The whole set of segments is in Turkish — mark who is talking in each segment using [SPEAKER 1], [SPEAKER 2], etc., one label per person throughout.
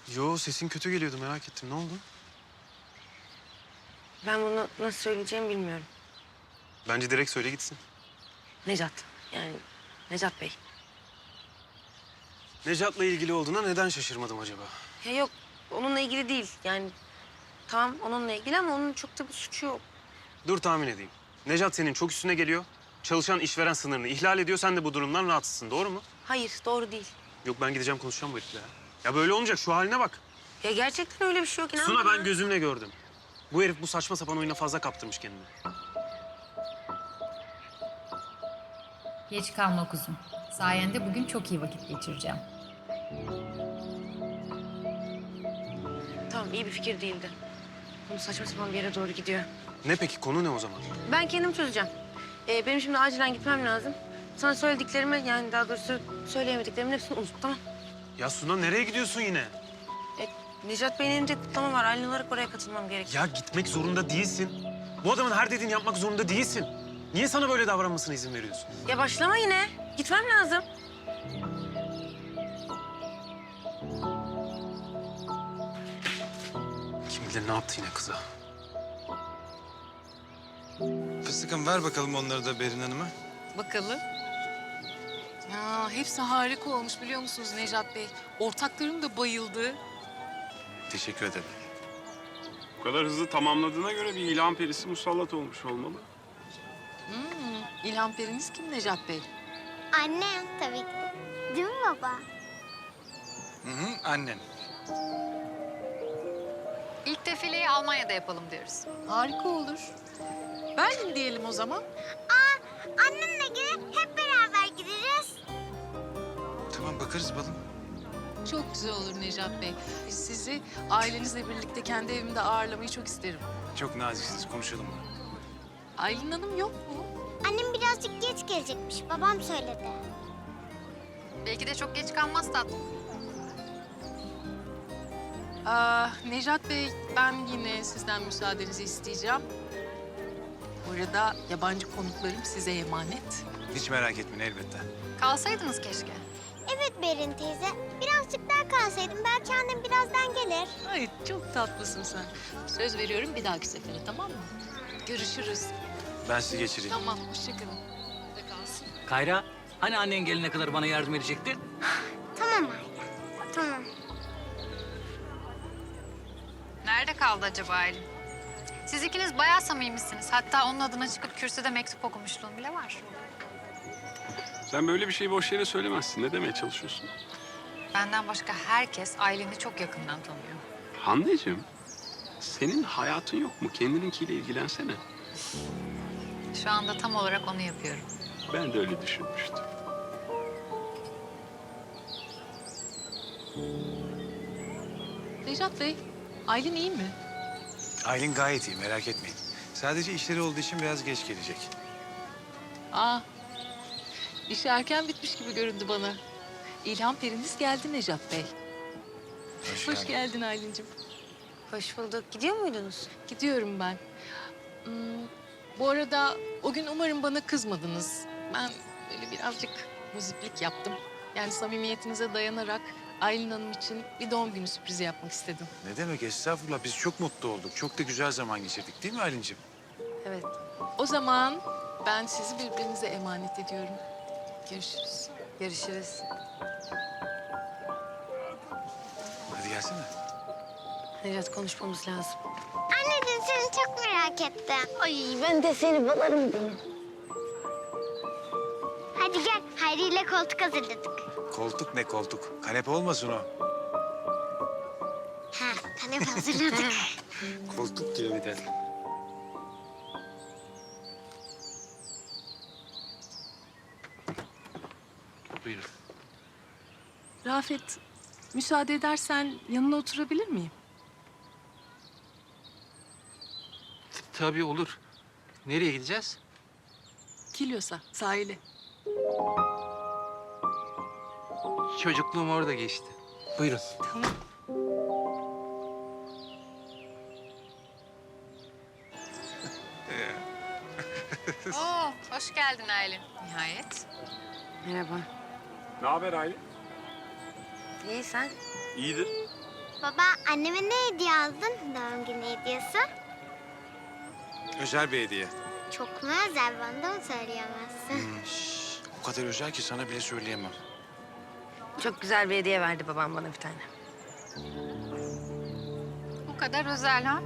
[SPEAKER 1] Yo, sesin kötü geliyordu, merak ettim. Ne oldu?
[SPEAKER 2] Ben bunu nasıl söyleyeceğimi bilmiyorum.
[SPEAKER 1] Bence direkt söyle gitsin.
[SPEAKER 2] Necat. Yani Necat Bey.
[SPEAKER 1] Necat'la ilgili olduğuna neden şaşırmadım acaba?
[SPEAKER 2] Ya yok onunla ilgili değil. Yani tamam onunla ilgili ama onun çok da bir suçu yok.
[SPEAKER 1] Dur tahmin edeyim. Necat senin çok üstüne geliyor. Çalışan işveren sınırını ihlal ediyor. Sen de bu durumdan rahatsızsın, doğru mu?
[SPEAKER 2] Hayır doğru değil.
[SPEAKER 1] Yok, ben gideceğim konuşacağım bu herifle. Ya böyle olmayacak, şu haline bak.
[SPEAKER 2] Ya gerçekten öyle bir şey yok. İnan
[SPEAKER 1] Suna,
[SPEAKER 2] bana.
[SPEAKER 1] ben gözümle gördüm. Bu herif bu saçma sapan oyuna fazla kaptırmış kendini.
[SPEAKER 3] Geç kalma kuzum. Sayende bugün çok iyi vakit geçireceğim.
[SPEAKER 2] Tamam iyi bir fikir değildi. Bunu saçma sapan bir yere doğru gidiyor.
[SPEAKER 1] Ne peki, konu ne o zaman?
[SPEAKER 2] Ben kendim çözeceğim. Benim şimdi acilen gitmem lazım. Sana söylediklerimi yani daha doğrusu söyleyemediklerimin hepsini unut tamam.
[SPEAKER 1] Ya Suna, nereye gidiyorsun yine?
[SPEAKER 2] Necat Bey'in elinde kutlama var. Aylin olarak oraya katılmam gerek.
[SPEAKER 1] Ya gitmek zorunda değilsin. Bu adamın her dediğini yapmak zorunda değilsin. Niye sana böyle davranmasına izin veriyorsun?
[SPEAKER 2] Ya başlama yine. Gitmem lazım.
[SPEAKER 1] Kim bilir ne yaptı yine kıza.
[SPEAKER 4] Fıstıkım ver bakalım onları da Berin Hanım'a.
[SPEAKER 5] Bakalım. Ya hepsi harika olmuş biliyor musunuz Necat Bey? Ortaklarım da bayıldı.
[SPEAKER 4] Teşekkür ederim.
[SPEAKER 6] Bu kadar hızlı tamamladığına göre bir ilan perisi musallat olmuş olmalı.
[SPEAKER 5] İlham periniz kim Necat Bey?
[SPEAKER 7] Annem tabii ki. Değil mi baba?
[SPEAKER 4] Hı hı, annen.
[SPEAKER 3] İlk defileyi Almanya'da yapalım diyoruz.
[SPEAKER 5] Harika olur. Berlin diyelim o zaman.
[SPEAKER 7] Annemle gidip hep beraber gideriz.
[SPEAKER 4] Tamam, bakarız balım.
[SPEAKER 5] Çok güzel olur Necat Bey. Sizi ailenizle birlikte kendi evimde ağırlamayı çok isterim.
[SPEAKER 4] Çok naziksiniz, konuşalım bunu.
[SPEAKER 5] Aylin Hanım yok mu?
[SPEAKER 7] Annem birazcık geç gelecekmiş. Babam söyledi.
[SPEAKER 3] Belki de çok geç kalmaz tatlım.
[SPEAKER 5] Necat Bey, ben yine sizden müsaadenizi isteyeceğim. Bu arada yabancı konuklarım size emanet.
[SPEAKER 4] Hiç merak etmeyin, elbette.
[SPEAKER 3] Kalsaydınız keşke.
[SPEAKER 7] Evet Berin teyze. Birazcık daha kalsaydım belki annem birazdan gelir.
[SPEAKER 5] Ay çok tatlısın sen. Söz veriyorum bir dahaki sefere tamam mı? Görüşürüz.
[SPEAKER 4] Ben sizi geçireyim.
[SPEAKER 5] Tamam, hoşçakalın. De kalsın.
[SPEAKER 8] Kayra, hani annen gelene kadar bana yardım edecektin?
[SPEAKER 7] Tamam anne. Tamam.
[SPEAKER 3] Nerede kaldı acaba Aylin? Siz ikiniz bayağı samimisiniz. Hatta onun adına çıkıp kürsüde mektup okumuşluğum bile var.
[SPEAKER 6] Sen böyle bir şeyi boş yere söylemezsin. Ne demeye çalışıyorsun?
[SPEAKER 3] Benden başka herkes Aylin'i çok yakından tanıyor.
[SPEAKER 6] Hande'cim, senin hayatın yok mu? Kendininkiyle ilgilensene.
[SPEAKER 3] Şu anda tam olarak onu yapıyorum.
[SPEAKER 6] Ben de öyle düşünmüştüm.
[SPEAKER 5] Necat Bey, Aylin iyi mi?
[SPEAKER 4] Aylin gayet iyi, merak etmeyin. Sadece işleri olduğu için biraz geç gelecek.
[SPEAKER 5] Aa, işi erken bitmiş gibi göründü bana. İlham periniz geldi Necat Bey. Hoş geldin Aylin'cim.
[SPEAKER 2] Hoş bulduk. Gidiyor muydunuz?
[SPEAKER 5] Gidiyorum ben. Hmm, bu arada o gün umarım bana kızmadınız. Ben böyle birazcık muziplik yaptım. Yani samimiyetinize dayanarak Aylin Hanım için bir doğum günü sürprizi yapmak istedim.
[SPEAKER 4] Ne demek, estağfurullah. Biz çok mutlu olduk. Çok da güzel zaman geçirdik, değil mi Aylin'ciğim?
[SPEAKER 2] Evet.
[SPEAKER 5] O zaman ben sizi birbirinize emanet ediyorum. Görüşürüz.
[SPEAKER 2] Görüşürüz.
[SPEAKER 4] Hadi gelsene.
[SPEAKER 2] Necat konuşmamız lazım.
[SPEAKER 7] Anneciğim seni çok merak ettim.
[SPEAKER 2] Ay ben de seni balarım benim.
[SPEAKER 7] Hadi gel. Hayri ile koltuk hazırladık.
[SPEAKER 4] Koltuk ne koltuk? Kanepe olmasın o.
[SPEAKER 7] Ha, kanepe hazırladık.
[SPEAKER 4] Koltuk diyor bir de.
[SPEAKER 8] Buyurun.
[SPEAKER 5] Rafet, müsaade edersen yanına oturabilir miyim?
[SPEAKER 8] Tabii olur. Nereye gideceğiz?
[SPEAKER 5] Kilyos'a, sahile.
[SPEAKER 8] Çocukluğum orada geçti. Buyurun.
[SPEAKER 5] Tamam.
[SPEAKER 3] Oo, hoş geldin Aylin. Nihayet.
[SPEAKER 2] Merhaba.
[SPEAKER 6] Ne haber Aylin?
[SPEAKER 2] İyi sen?
[SPEAKER 6] İyidir.
[SPEAKER 7] Baba, anneme ne hediye aldın? Doğum günü hediyesi.
[SPEAKER 4] Özel bir hediye.
[SPEAKER 7] Çok mu özel, bana da mı söyleyemezsin?
[SPEAKER 4] O kadar özel ki sana bile söyleyemem.
[SPEAKER 2] Çok güzel bir hediye verdi babam bana bir tane.
[SPEAKER 3] Bu kadar özel ha?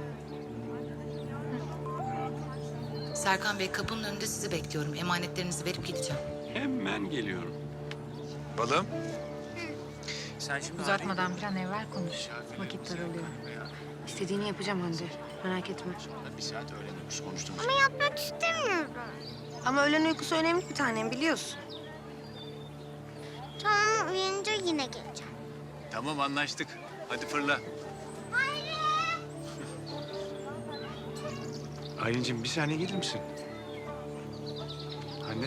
[SPEAKER 9] Serkan Bey, kapının önünde sizi bekliyorum. Emanetlerinizi verip gideceğim.
[SPEAKER 6] Hemen geliyorum.
[SPEAKER 4] Balım. Sen şimdi
[SPEAKER 3] Uzatmadan bir an evvel konuş. Vakit daralıyor.
[SPEAKER 2] İstediğini yapacağım Hande. Merak etme.
[SPEAKER 4] bir saat öğlen uykusu konuştum.
[SPEAKER 7] Ama yatmak istemiyorum.
[SPEAKER 2] Ama öğlen uykusu önemli bir tanem biliyorsun.
[SPEAKER 7] Tamam, uyanınca yine geleceğim.
[SPEAKER 4] Tamam anlaştık. Hadi fırla. Aylin'cim bir saniye gelir misin? Anne.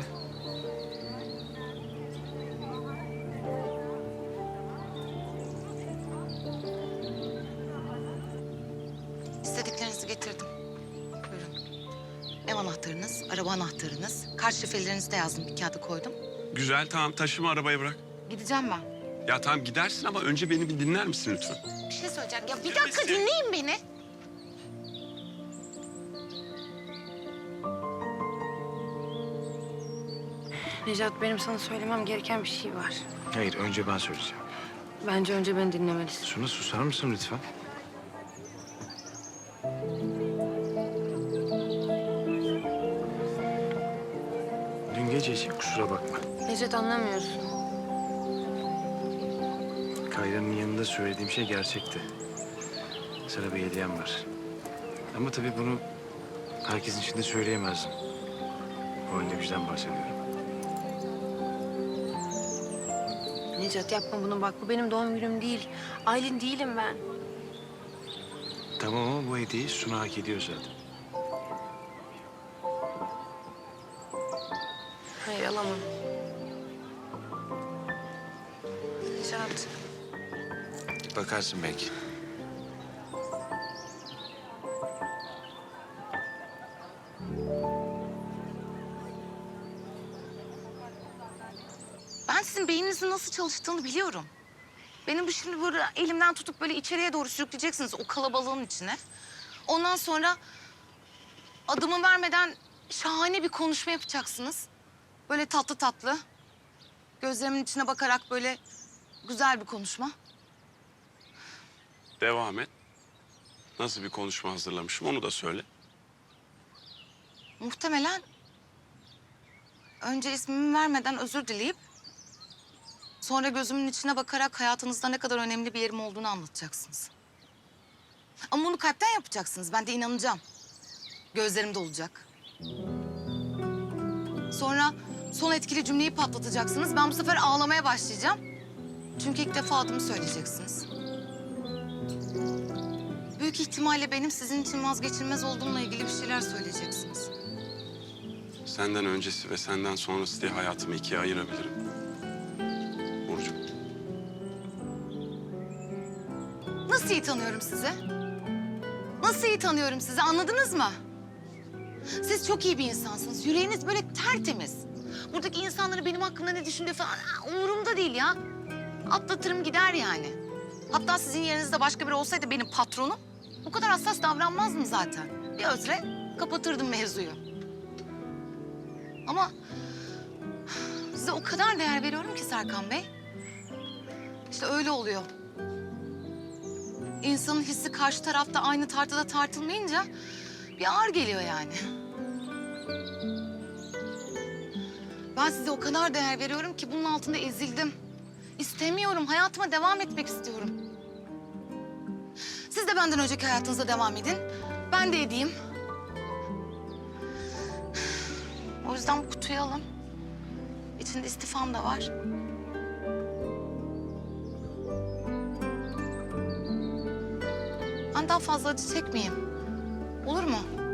[SPEAKER 9] İstediklerinizi getirdim. Buyurun. Ev anahtarınız, araba anahtarınız, kart şifrelerinizi de yazdım, bir kağıda koydum.
[SPEAKER 6] Güzel, tamam. Taşıma, arabayı bırak.
[SPEAKER 9] Gideceğim ben.
[SPEAKER 6] Ya tamam gidersin ama önce beni bir dinler misin lütfen?
[SPEAKER 9] Bir şey söyleyeceğim. Ya bir dakika dinleyin beni.
[SPEAKER 2] Necat, benim sana söylemem gereken bir şey var.
[SPEAKER 4] Hayır önce ben söyleyeceğim.
[SPEAKER 2] Bence önce beni dinlemelisin.
[SPEAKER 4] Suna susar mısın lütfen? Dün gece için kusura bakma.
[SPEAKER 2] Necat, anlamıyorsun.
[SPEAKER 4] Kayra'nın yanında söylediğim şey gerçekti. Sana bir hediyem var. Ama tabii bunu herkesin içinde söyleyemezdim. O halde bizden bahsediyorum.
[SPEAKER 2] Necat, yapma bunu bak. Bu benim doğum günüm değil. Aylin değilim ben.
[SPEAKER 4] Tamam ama bu hediyeyi Suna hak ediyor zaten.
[SPEAKER 2] Hayır, alamam. Necat.
[SPEAKER 4] Bakarsın belki.
[SPEAKER 9] Ben sizin beyninizin nasıl çalıştığını biliyorum. Benim bu şimdi böyle elimden tutup böyle içeriye doğru sürükleyeceksiniz o kalabalığın içine. Ondan sonra adımı vermeden şahane bir konuşma yapacaksınız. Böyle tatlı tatlı. Gözlerimin içine bakarak böyle güzel bir konuşma.
[SPEAKER 6] Devam et. Nasıl bir konuşma hazırlamışım onu da söyle.
[SPEAKER 9] Muhtemelen önce ismimi vermeden özür dileyip sonra gözümün içine bakarak hayatınızda ne kadar önemli bir yerim olduğunu anlatacaksınız. Ama bunu kalpten yapacaksınız. Ben de inanacağım. Gözlerimde olacak. Sonra son etkili cümleyi patlatacaksınız. Ben bu sefer ağlamaya başlayacağım. Çünkü ilk defa adımı söyleyeceksiniz. Büyük ihtimalle benim sizin için vazgeçilmez olduğumla ilgili bir şeyler söyleyeceksiniz.
[SPEAKER 6] Senden öncesi ve senden sonrası diye hayatımı ikiye ayırabilirim. Burcu.
[SPEAKER 9] Nasıl iyi tanıyorum sizi? Nasıl iyi tanıyorum sizi, anladınız mı? Siz çok iyi bir insansınız. Yüreğiniz böyle tertemiz. Buradaki insanların benim hakkında ne düşündüğü falan umurumda değil ya. Atlatırım gider yani. Hatta sizin yerinizde başka biri olsaydı benim patronum, bu kadar hassas davranmazdım zaten. Bir özre kapatırdım mevzuyu. Ama size o kadar değer veriyorum ki Serkan Bey. İşte öyle oluyor. İnsanın hissi karşı tarafta aynı tartıda tartılmayınca bir ağır geliyor yani. Ben size o kadar değer veriyorum ki bunun altında ezildim. İstemiyorum, hayatıma devam etmek istiyorum. Siz de benden önceki hayatınıza devam edin. Ben de edeyim. O yüzden bu kutuyu alın. İçinde istifam da var. Ben daha fazla acı çekmeyeyim. Olur mu?